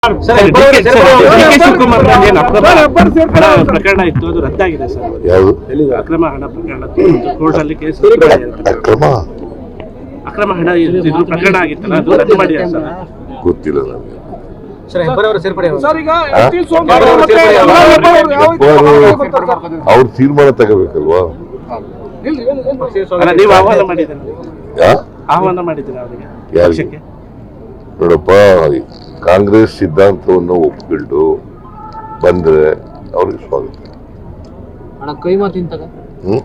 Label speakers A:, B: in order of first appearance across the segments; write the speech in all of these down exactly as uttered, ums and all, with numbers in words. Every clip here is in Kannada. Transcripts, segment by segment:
A: ಶಿವಕುಮಾರ್ ಪ್ರಕರಣ ಇತ್ತು, ಅದು ರದ್ದಾಗಿದೆ ಸರ್.
B: ಯಾವುದು
A: ಅಕ್ರಮ ಹಣ ಪ್ರಕರಣ ಕೋರ್ಟ್ ಅಲ್ಲಿ ಕೇಸ್
B: ಅಕ್ರಮ
A: ಅಕ್ರಮ ಹಣ ಇದು ಪ್ರಕರಣ ಆಗಿತ್ತಲ್ಲ, ಅದು ರದ್ದು ಮಾಡಿದೆ ಸರ್.
B: ಗೊತ್ತಿಲ್ಲ ನನಗೆ. ಅವ್ರ ತೀರ್ಮಾನ ತಗೋಬೇಕಲ್ವಾ?
A: ನೀವು ಆಹ್ವಾನ ಮಾಡಿದ್ದೀರ ಆಹ್ವಾನ ಮಾಡಿದ್ದೀರ ಅವರಿಗೆ?
B: ಯಾರಿಗೆ? ನೋಡಪ್ಪ, ಕಾಂಗ್ರೆಸ್ ಸಿದ್ಧಾಂತವನ್ನು ಒಪ್ಪಿಕೊಂಡು ಬಂದ್ರೆ ಅವ್ರಿಗೆ ಸ್ವಾಗತ. ಹ್ಮ್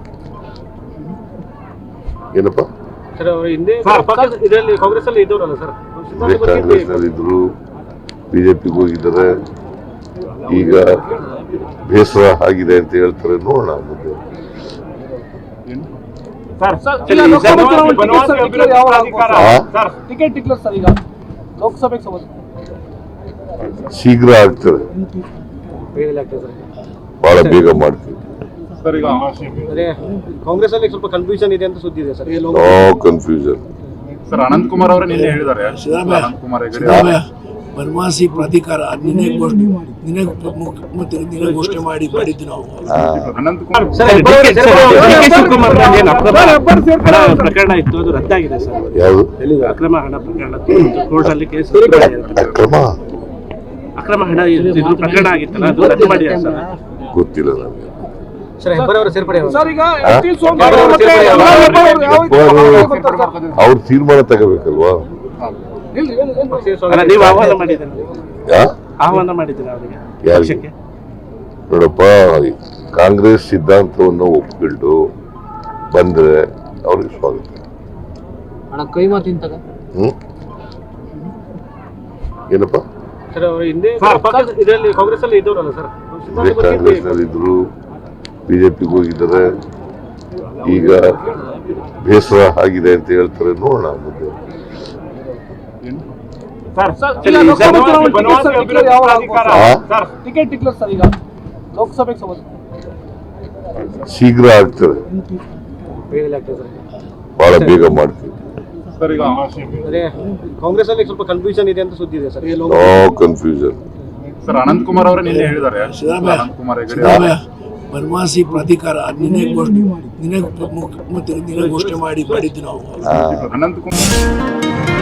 B: ಏನಪ್ಪ,
A: ಕಾಂಗ್ರೆಸ್ ಅಲ್ಲಿ ಇದ್ದವರಲ್ಲ ಸರ್,
B: ಕಾಂಗ್ರೆಸ್ ನಲ್ಲಿ ಇದ್ರು, ಬಿಜೆಪಿಗೆ ಹೋಗಿದ್ದಾರೆ. ಈಗ ಬೇಸರ ಆಗಿದೆ ಅಂತ ಹೇಳ್ತಾರೆ, ನೋಡೋಣ ಮುಂದೆ. ಶೀಘ್ರ ಆಗ್ತದೆ, ಬಹಳ ಬೇಗ ಮಾಡ್ತೀವಿ.
A: ಕಾಂಗ್ರೆಸ್ ಅಲ್ಲಿ ಸ್ವಲ್ಪ ಕನ್ಫ್ಯೂಷನ್ ಇದೆ ಅಂತ ಸುದ್ದಿ ಇದೆ sir.
B: No confusion.
C: Sir, Ananth Kumar ಅವರು ನಿನ್ನೆ ಹೇಳಿದ್ದಾರೆ, ಅನಂತ್ ಕುಮಾರ್ ಹೆಗಡೆ
D: ಬನವಾಸಿ ಪ್ರಾಧಿಕಾರ ನಿನ್ನೆ ಘೋಷಣೆ ನಿನ್ನೆ ಮುಖ್ಯಮಂತ್ರಿ ನಿನ್ನೆ ಘೋಷಣೆ ಮಾಡಿ ಮಾಡಿದ್ದು ನಾವು.
C: ಅನಂತ್ ಕುಮಾರ್
A: ಶಿವಕುಮಾರ್ ಹಣ ಪ್ರಕರಣ ಇತ್ತು, ಅದು ರದ್ದಾಗಿದೆ ಸರ್.
B: ಯಾವುದು
A: ಅಕ್ರಮ ಹಣ ಪ್ರಕರಣ ಕೋರ್ಟ್ ಅಲ್ಲಿ ಕೇಸ್
B: ಅಕ್ರಮ
A: ಅಕ್ರಮ ಹಣ ಇದು ಪ್ರಕರಣ ಆಗಿತ್ತಲ್ಲ, ಅದು ರದ್ದು ಮಾಡಿದೆ ಸರ್.
B: ಗೊತ್ತಿಲ್ಲ ನನಗೆ. ಅವ್ರ ತೀರ್ಮಾನ ತಗೋಬೇಕಲ್ವಾ?
A: ನೀವು ಆಹ್ವಾನ ಮಾಡಿದ್ದೀರ ಆಹ್ವಾನ ಮಾಡಿದ್ದೀರ ಅವರಿಗೆ?
B: ಯಾರಿಗೆ? ನೋಡಪ್ಪ, ಕಾಂಗ್ರೆಸ್ ಸಿದ್ಧಾಂತವನ್ನು ಒಪ್ಪಿಕೊಂಡು ಬಂದ್ರೆ ಅವ್ರಿಗೆ ಸ್ವಾಗತ. ಹ್ಮ್ ಏನಪ್ಪ,
A: ಕಾಂಗ್ರೆಸ್ ಅಲ್ಲಿ ಇದ್ದವರಲ್ಲ ಸರ್,
B: ಕಾಂಗ್ರೆಸ್ ನಲ್ಲಿ ಇದ್ರು, ಬಿಜೆಪಿಗೆ ಹೋಗಿದ್ದಾರೆ. ಈಗ ಬೇಸರ ಆಗಿದೆ ಅಂತ ಹೇಳ್ತಾರೆ, ನೋಡೋಣ ಮುಂದೆ. ಶೀಘ್ರ ಆಗ್ತದೆ, ಬಹಳ ಬೇಗ ಮಾಡ್ತೀವಿ.
A: ಕಾಂಗ್ರೆಸ್ ಅಲ್ಲಿ ಸ್ವಲ್ಪ ಕನ್ಫ್ಯೂಷನ್ ಇದೆ ಅಂತ ಸುದ್ದಿ ಇದೆ sir.
B: No confusion.
C: Sir, Ananth Kumar ಅವರು ನಿನ್ನೆ ಹೇಳಿದ್ದಾರೆ, ಅನಂತ್ ಕುಮಾರ್ ಹೆಗಡೆ
D: ಬನವಾಸಿ ಪ್ರಾಧಿಕಾರ ನಿನ್ನೆ ಘೋಷಣೆ ನಿನ್ನೆ ಮುಖ್ಯಮಂತ್ರಿ ನಿನ್ನೆ ಘೋಷಣೆ ಮಾಡಿ ಮಾಡಿದ್ದು ನಾವು.
C: ಅನಂತ್ ಕುಮಾರ್